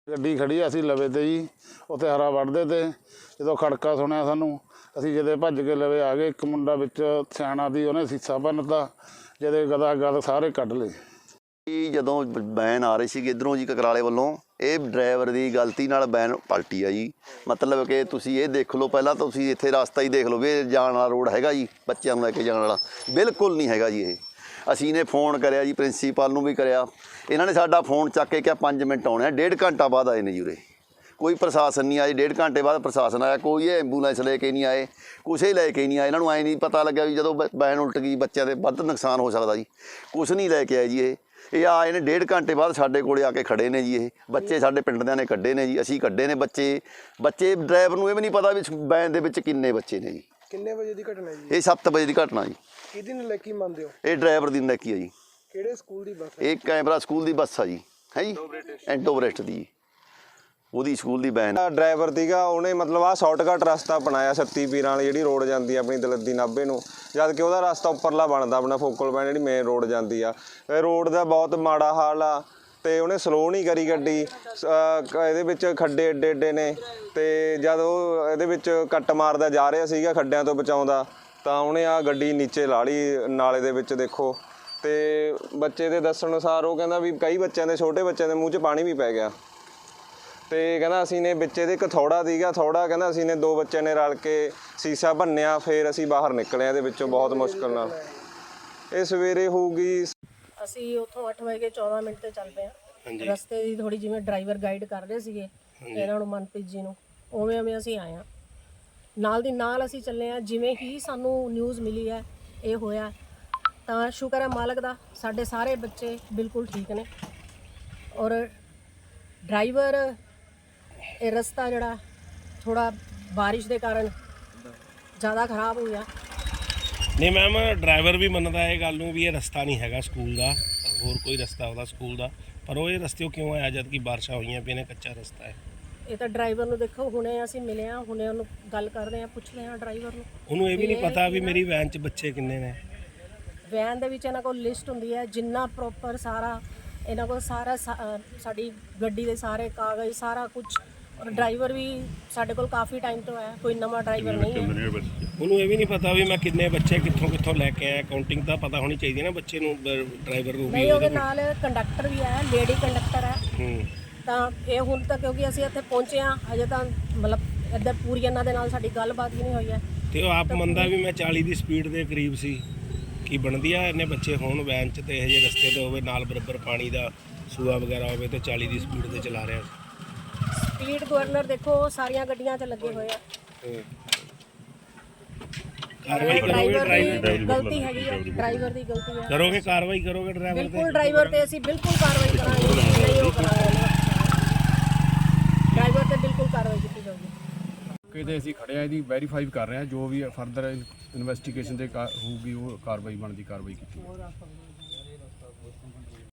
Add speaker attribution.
Speaker 1: ਗੱਡੀ ਖੜੀ ਅਸੀਂ ਲਵੇ ਤੇ ਜੀ ਉੱਥੇ ਹਰਾ ਵੱਢਦੇ ਤੇ ਜਦੋਂ ਖੜਕਾ ਸੁਣਿਆ ਸਾਨੂੰ ਅਸੀਂ ਜਦੇ ਭੱਜ ਕੇ ਲਵੇ ਆ ਗਏ। ਇੱਕ ਮੁੰਡਾ ਵਿੱਚ ਸਿਆਣਾ ਦੀ ਉਹਨੇ ਸੀਸਾ ਭੰਨਤਾ, ਜਦੇ ਗਦਾ ਗਦ ਸਾਰੇ ਕੱਢ ਲਏ।
Speaker 2: ਜਦੋਂ ਵੈਨ ਆ ਰਹੀ ਸੀ ਇੱਧਰੋਂ ਜੀ ਕਕਰਾਲੇ ਵੱਲੋਂ, ਇਹ ਡਰਾਈਵਰ ਦੀ ਗਲਤੀ ਨਾਲ ਵੈਨ ਪਲਟੀ ਆ ਜੀ। ਮਤਲਬ ਕਿ ਤੁਸੀਂ ਇਹ ਦੇਖ ਲਓ, ਪਹਿਲਾਂ ਤੁਸੀਂ ਇੱਥੇ ਰਸਤਾ ਹੀ ਦੇਖ ਲਓ ਵੀ ਇਹ ਜਾਣ ਵਾਲਾ ਰੋਡ ਹੈਗਾ ਜੀ, ਬੱਚਿਆਂ ਨੂੰ ਲੈ ਕੇ ਜਾਣ ਵਾਲਾ ਬਿਲਕੁਲ ਨਹੀਂ ਹੈਗਾ ਜੀ। ਇਹ ਅਸੀਂ ਨੇ ਫੋਨ ਕਰਿਆ ਜੀ, ਪ੍ਰਿੰਸੀਪਲ ਨੂੰ ਵੀ ਕਰਿਆ, ਇਹਨਾਂ ਨੇ ਸਾਡਾ ਫੋਨ ਚੱਕ ਕੇ ਕਿਹਾ 5 ਮਿੰਟ ਆਉਣੇ ਆ। 1.5 ਘੰਟਾ ਬਾਅਦ ਆਏ ਨੇ ਜੀ ਉਰੇ, ਕੋਈ ਪ੍ਰਸ਼ਾਸਨ ਨਹੀਂ ਆਇਆ। 1.5 ਘੰਟੇ ਬਾਅਦ ਪ੍ਰਸ਼ਾਸਨ ਆਇਆ, ਕੋਈ ਐਂਬੂਲੈਂਸ ਲੈ ਕੇ ਨਹੀਂ ਆਏ, ਕੁਛ ਹੀ ਲੈ ਕੇ ਨਹੀਂ ਆਏ। ਇਹਨਾਂ ਨੂੰ ਐਂ ਨਹੀਂ ਪਤਾ ਲੱਗਿਆ ਵੀ ਜਦੋਂ ਵੈਨ ਉਲਟ ਗਈ ਬੱਚਿਆਂ ਦੇ ਵੱਧ ਨੁਕਸਾਨ ਹੋ ਸਕਦਾ ਜੀ, ਕੁਛ ਨਹੀਂ ਲੈ ਕੇ ਆਏ ਜੀ। ਇਹ ਆਏ ਨੇ 1.5 ਘੰਟੇ ਬਾਅਦ ਸਾਡੇ ਕੋਲੇ ਆ ਕੇ ਖੜੇ ਨੇ ਜੀ। ਇਹ ਬੱਚੇ ਸਾਡੇ ਪਿੰਡ ਦਿਆਂ ਨੇ ਕੱਢੇ ਨੇ ਜੀ, ਅਸੀਂ ਕੱਢੇ ਨੇ ਬੱਚੇ। ਡਰਾਈਵਰ ਨੂੰ ਇਹ ਵੀ ਨਹੀਂ ਪਤਾ ਵੀ ਵੈਨ ਦੇ ਵਿੱਚ ਕਿੰਨੇ ਬੱਚੇ ਨੇ ਜੀ।
Speaker 3: ਕਿੰਨੇ ਵਜੇ ਦੀ ਘਟਨਾ ਜੀ?
Speaker 2: ਇਹ 7 ਵਜੇ ਦੀ ਘਟਨਾ ਜੀ।
Speaker 3: ਕਿਹਦੀ ਨਲਾਇਕੀ ਮੰਨਦੇ ਹੋ?
Speaker 2: ਇਹ ਡਰਾਈਵਰ ਦੀ ਨਲਾਇਕੀ ਆ ਜੀ।
Speaker 3: ਕਿਹੜੇ ਸਕੂਲ ਦੀ ਬੱਸ?
Speaker 2: ਇਹ ਕੈਮਰਾ ਸਕੂਲ ਦੀ ਬੱਸ ਆ ਜੀ, ਹੈ ਜੀ, ਐਂਟੋਬਰੇਸਟ ਦੀ, ਉਹਦੀ ਸਕੂਲ ਦੀ ਵੈਨ।
Speaker 4: ਡਰਾਈਵਰ ਸੀਗਾ, ਉਹਨੇ ਮਤਲਬ ਆਹ ਸ਼ਾਰਟਕਟ ਰਸਤਾ ਅਪਣਾਇਆ ਸੱਤੀ ਪੀਰਾਂ ਵਾਲੀ ਜਿਹੜੀ ਰੋਡ ਜਾਂਦੀ ਆ ਆਪਣੀ ਦਲੱਦੀ ਨਾਭੇ ਨੂੰ, ਜਦ ਕਿ ਉਹਦਾ ਰਸਤਾ ਉੱਪਰਲਾ ਬਣਦਾ ਆਪਣਾ ਫੋਕਲ ਪੁਆਇੰਟ ਜਿਹੜੀ ਮੇਨ ਰੋਡ ਜਾਂਦੀ ਆ। ਇਹ ਰੋਡ ਦਾ ਬਹੁਤ ਮਾੜਾ ਹਾਲ ਆ ਤੇ ਉਹਨੇ ਸਲੋ ਨਹੀਂ ਕਰੀ ਗੱਡੀ। ਇਹਦੇ ਵਿੱਚ ਖੱਡੇ ਏਡੇ ਏਡੇ ਨੇ ਤੇ ਜਦ ਉਹ ਇਹਦੇ ਵਿੱਚ ਕੱਟ ਮਾਰਦਾ ਜਾ ਰਿਹਾ ਸੀਗਾ ਖੱਡਿਆਂ ਤੋਂ ਬਚਾਉਂਦਾ, ਤਾਂ ਉਹਨੇ ਆ ਗੱਡੀ ਨੀਚੇ ਲਾ ਲਈ ਨਾਲੇ ਦੇ ਵਿੱਚ। ਦੇਖੋ ਤੇ ਬੱਚੇ ਦੇ ਦੱਸਣ ਅਨੁਸਾਰ ਉਹ ਕਹਿੰਦਾ ਵੀ ਕਈ ਬੱਚਿਆਂ ਦੇ, ਛੋਟੇ ਬੱਚਿਆਂ ਦੇ ਮੂੰਹ 'ਚ ਪਾਣੀ ਵੀ ਪੈ ਗਿਆ। ਤੇ ਕਹਿੰਦਾ ਅਸੀਂ ਨੇ ਵਿੱਚ ਇਹਦੇ ਇੱਕ ਥੋੜਾ ਸੀਗਾ, ਥੋੜਾ ਕਹਿੰਦਾ ਅਸੀਂ ਨੇ 2 ਬੱਚਿਆਂ ਨੇ ਰਲ ਕੇ ਸੀਸਾ ਭੰਨਿਆ, ਫਿਰ ਅਸੀਂ ਬਾਹਰ ਨਿਕਲੇ ਇਹਦੇ ਵਿੱਚੋਂ ਬਹੁਤ ਮੁਸ਼ਕਲ ਨਾਲ। ਇਹ ਸਵੇਰੇ ਹੋਊਗੀ,
Speaker 5: ਅਸੀਂ ਉੱਥੋਂ 8:14 ਤੇ ਚੱਲ ਪਏ ਹਾਂ। ਰਸਤੇ ਦੀ ਥੋੜੀ ਜਿਵੇਂ ਡਰਾਈਵਰ ਗਾਈਡ ਕਰ ਰਹੇ ਸੀਗੇ ਇਹਨਾਂ ਨੂੰ, ਮਨਪ੍ਰੀਤ ਜੀ ਨੂੰ, ਉਵੇਂ ਅਸੀਂ ਆਏ ਹਾਂ। ਨਾਲ ਦੀ ਨਾਲ ਅਸੀਂ ਚੱਲੇ ਹਾਂ। ਜਿਵੇਂ ਹੀ ਸਾਨੂੰ ਨਿਊਜ਼ ਮਿਲੀ ਹੈ ਇਹ ਹੋਇਆ, ਤਾਂ ਸ਼ੁਕਰ ਹੈ ਮਾਲਕ ਦਾ, ਸਾਡੇ ਸਾਰੇ ਬੱਚੇ ਬਿਲਕੁਲ ਠੀਕ ਨੇ। ਔਰ ਡਰਾਈਵਰ ਇਹ ਰਸਤਾ ਜਿਹੜਾ ਥੋੜਾ ਬਾਰਿਸ਼ ਦੇ ਕਾਰਨ ਜ਼ਿਆਦਾ ਖਰਾਬ ਹੋ ਗਿਆ।
Speaker 6: ਨਹੀਂ ਮੈਮ, ਡਰਾਈਵਰ ਵੀ ਮੰਨਦਾ ਇਹ ਗੱਲ ਨੂੰ ਵੀ ਇਹ ਰਸਤਾ ਨਹੀਂ ਹੈਗਾ ਸਕੂਲ ਦਾ, ਹੋਰ ਕੋਈ ਰਸਤਾ ਉਹਦਾ ਸਕੂਲ ਦਾ, ਪਰ ਉਹ ਇਹ ਰਸਤੇ ਕਿਉਂ ਆਇਆ ਜਦ ਕਿ ਬਾਰਿਸ਼ਾਂ ਹੋਈਆਂ ਪਈਆਂ ਨੇ, ਕੱਚਾ ਰਸਤਾ ਹੈ।
Speaker 5: ਇਹ ਤਾਂ ਡਰਾਈਵਰ ਨੂੰ ਦੇਖੋ, ਹੁਣੇ ਅਸੀਂ ਮਿਲੇ ਹਾਂ, ਹੁਣੇ ਉਹਨੂੰ ਗੱਲ ਕਰਦੇ ਹਾਂ, ਪੁੱਛਦੇ ਹਾਂ ਡਰਾਈਵਰ ਨੂੰ।
Speaker 6: ਉਹਨੂੰ ਇਹ ਵੀ ਨਹੀਂ ਪਤਾ ਵੀ ਮੇਰੀ ਵੈਨ 'ਚ ਬੱਚੇ ਕਿੰਨੇ ਨੇ।
Speaker 5: ਵੈਨ ਦੇ ਵਿੱਚ ਇਹਨਾਂ ਕੋਲ ਲਿਸਟ ਹੁੰਦੀ ਹੈ, ਜਿੰਨਾ ਪ੍ਰੋਪਰ ਸਾਰਾ ਇਹਨਾਂ ਕੋਲ ਸਾਰਾ ਸਾਡੀ ਗੱਡੀ ਦੇ ਸਾਰੇ ਕਾਗਜ਼ ਸਾਰਾ ਕੁਝ। ਔਰ ਡਰਾਈਵਰ ਵੀ ਸਾਡੇ ਕੋਲ ਕਾਫੀ ਟਾਈਮ ਤੋਂ ਹੈ, ਕੋਈ ਨਵਾਂ ਡਰਾਈਵਰ ਨਹੀਂ ਹੈ।
Speaker 6: ਉਹਨੂੰ ਇਹ ਵੀ ਨਹੀਂ ਪਤਾ ਵੀ ਮੈਂ ਕਿੰਨੇ ਬੱਚੇ ਕਿੱਥੋਂ ਲੈ ਕੇ ਆਇਆ। ਕਾਊਂਟਿੰਗ ਤਾਂ ਪਤਾ ਹੋਣੀ ਚਾਹੀਦੀ ਨਾ ਬੱਚੇ ਨੂੰ, ਡਰਾਈਵਰ ਨੂੰ ਵੀ।
Speaker 5: ਨਹੀਂ, ਉਹਦੇ ਨਾਲ ਕੰਡਕਟਰ ਵੀ ਹੈ, ਲੇਡੀ ਕੰਡਕਟਰ ਹੈ। ਤਾਂ ਇਹ ਹੁਣ ਤੱਕ ਕਿਉਂਕਿ ਅਸੀਂ ਇੱਥੇ ਪਹੁੰਚੇ ਹਾਂ, ਅਜੇ ਤਾਂ ਮਤਲਬ ਇੱਧਰ ਪੂਰੀ ਇਹਨਾਂ ਦੇ ਨਾਲ ਸਾਡੀ ਗੱਲਬਾਤ ਵੀ ਨਹੀਂ ਹੋਈ ਹੈ।
Speaker 6: ਤੇ ਉਹ ਆਪ ਮੰਨਦਾ ਵੀ ਮੈਂ 40 ਦੀ ਸਪੀਡ ਦੇ ਕਰੀਬ ਸੀ। ਕੀ ਬਣਦੀ ਆ ਇੰਨੇ ਬੱਚੇ ਹੋਣ ਵੈਨ 'ਚ ਤੇ ਇਹ ਜਿਹੇ ਰਸਤੇ 'ਤੇ ਹੋਵੇ, ਨਾਲ ਬਰਾਬਰ ਪਾਣੀ ਦਾ ਸੂਆ ਵਗੈਰਾ ਹੋਵੇ ਤੇ 40 ਦੀ ਸਪੀਡ 'ਤੇ ਚਲਾ ਰਿਹਾ।
Speaker 5: ਸਪੀਡ ਗਵਰਨਰ ਦੇਖੋ ਸਾਰੀਆਂ ਗੱਡੀਆਂ 'ਚ ਲੱਗੇ ਹੋਏ ਆ। ਡਰਾਈਵਰ ਦੀ ਗਲਤੀ ਹੈਗੀ ਹੈ, ਡਰਾਈਵਰ ਦੀ ਗਲਤੀ ਹੈ।
Speaker 6: ਕਰੋਗੇ ਕਾਰਵਾਈ, ਕਰੋਗੇ ਡਰਾਈਵਰ ਤੇ?
Speaker 5: ਬਿਲਕੁਲ ਡਰਾਈਵਰ ਤੇ ਅਸੀਂ ਬਿਲਕੁਲ ਕਾਰਵਾਈ ਕਰਾਂਗੇ, ਨਹੀਂ ਉਹ ਕਰਾਂਗੇ। ਡਰਾਈਵਰ ਤੇ ਬਿਲਕੁਲ ਕਾਰਵਾਈ ਕੀਤੀ ਜਾਊਗੀ।
Speaker 7: ਕਿਤੇ ਅਸੀਂ ਖੜਿਆ, ਇਹਦੀ ਵੈਰੀਫਾਈ ਕਰ ਰਹੇ ਹਾਂ, ਜੋ ਵੀ ਫਰਦਰ ਇਨਵੈਸਟੀਗੇਸ਼ਨ ਦੇ ਹੋਊਗੀ ਉਹ ਕਾਰਵਾਈ ਬਣਦੀ ਕਾਰਵਾਈ ਕੀਤੀ।